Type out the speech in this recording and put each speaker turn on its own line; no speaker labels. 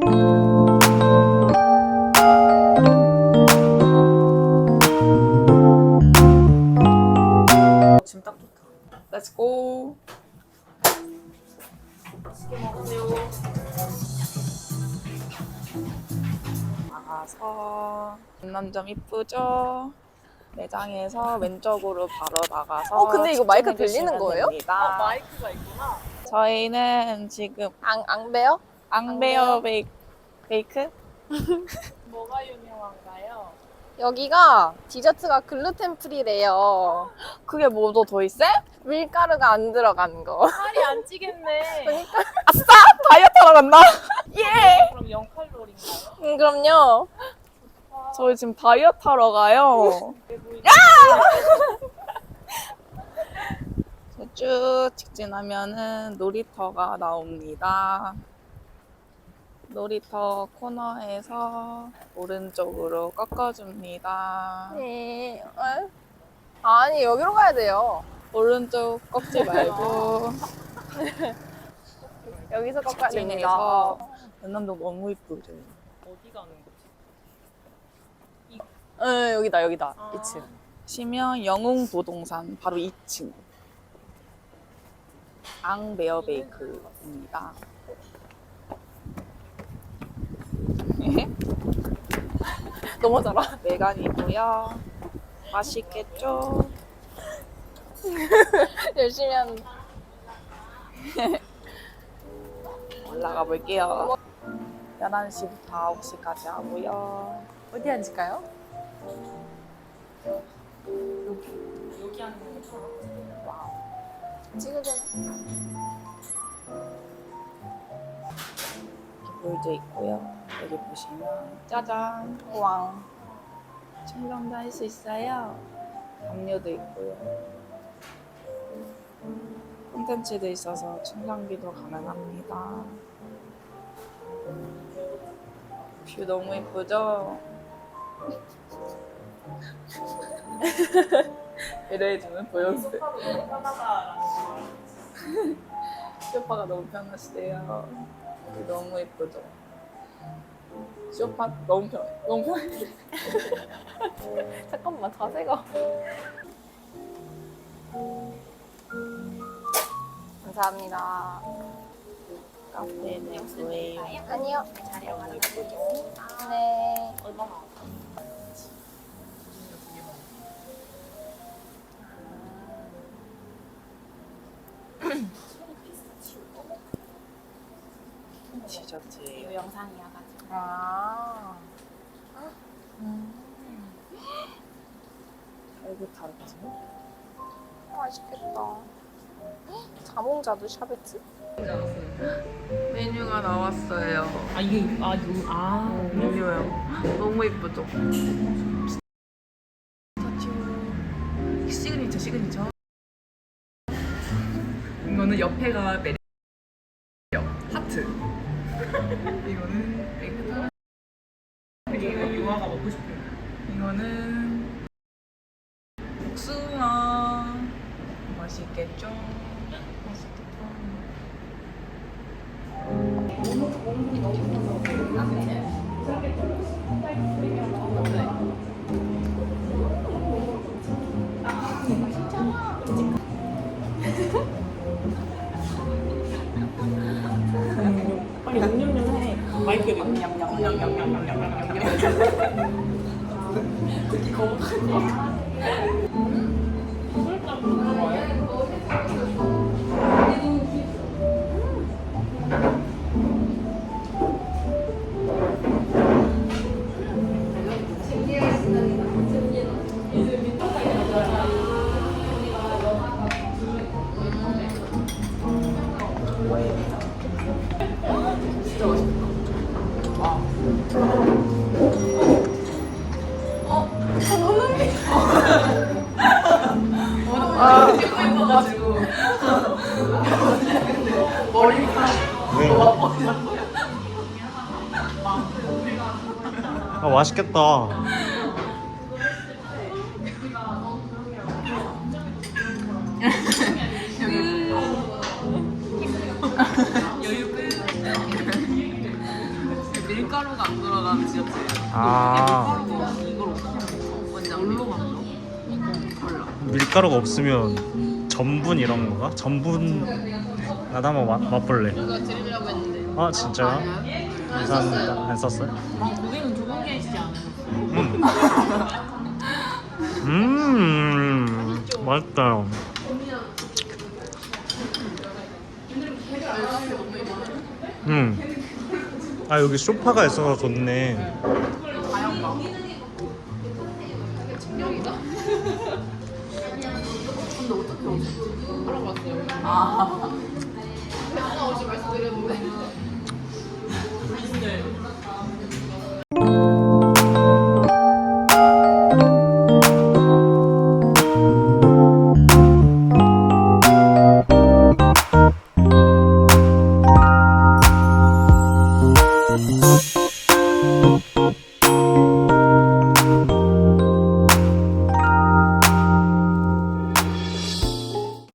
지금 딱 좋다. Let's go. 맛있게 먹으세요. 나가서 남점 이쁘죠? 매장에서 왼쪽으로 바로 나가서
근데 이거 마이크 들리는
주시면
거예요?
됩니다.
마이크가 있구나.
저희는 지금
앙베요?
앙베어 베이크?
뭐가 유명한가요?
여기가 디저트가 글루텐 프리래요.
그게 뭐도 더 있어?
밀가루가 안 들어간 거.
살이 안 찌겠네.
그러니까
다이어트 하러 간다? 예!
그럼 0칼로리인가요?
그럼요.
저희 지금 다이어트 하러 가요. 쭉 직진하면은 놀이터가 나옵니다. 놀이터 코너에서 오른쪽으로 꺾어줍니다.
네. 아니 여기로 가야 돼요.
오른쪽 꺾지 말고
여기서 꺾어야 됩니다.
직진해서 연남동 너무 이쁘죠.
어디 가는 거지?
응 여기다 여기다.
아.
2층.
시면 영웅부동산 바로 2층 앙베어 베이크입니다.
너무 잘 알아.
외관이고요. 맛있겠죠?
열심히 하는.
올라가 볼게요. 11시부터 9시까지 하고요.
어디 앉을까요?
여기 하는 거
와우.
찍으잖아.
이렇게 볼도 있고요. 여기 보시면 짜잔!
왕.
촬영도 할 수 있어요. 담요도 있고요. 콘텐츠도 있어서 충전기도 가능합니다. 뷰 너무 예쁘죠? 이래주면 보여주세요.
편하다라는 거.
쇼파가 너무 편하시대요. 뷰 너무 예쁘죠? 쇼파 너무 편해. 너무 편해.
잠깐만 자세가. 감사합니다.
카페는 뭐예요?
아니요.
자리에 가는 거.
네.
얼마나?
디저트예요.
이 영상이어가지고.
아.
아이고 다르지?
맛있겠다. 자몽자두 샤베트?
메뉴가 나왔어요.
아 이게
메뉴요. 너무 예쁘죠? 시그니처. 이거는 옆에가 매력 하트. 이거는 맥주.
이게 유아가 먹고 싶어요.
이거는 복숭아. 맛있겠죠? 맛있겠다.
빨리 음료는 해. 마이크를.
특히 거북한 진짜 맛있다. 찍고 있어가지고 머리가
아 맛있겠다.
여유 끝.
밀가루가 안 들어간 디저트예요.
아
이걸 어떻게 먹어? 완전 뭘로 만들어? 몰라.
밀가루가 없으면 전분 이런 건가? 전분 나도 한번 맛볼래.
이거 드리려고 했는데.
아 진짜요? 감사합니다. 안 썼어요?
고객은 좋은 게 있지 않아요?
맛있다. 아 여기 소파가 있어서 좋네.
알아봤어요. 아. 혹시 말씀드렸는데.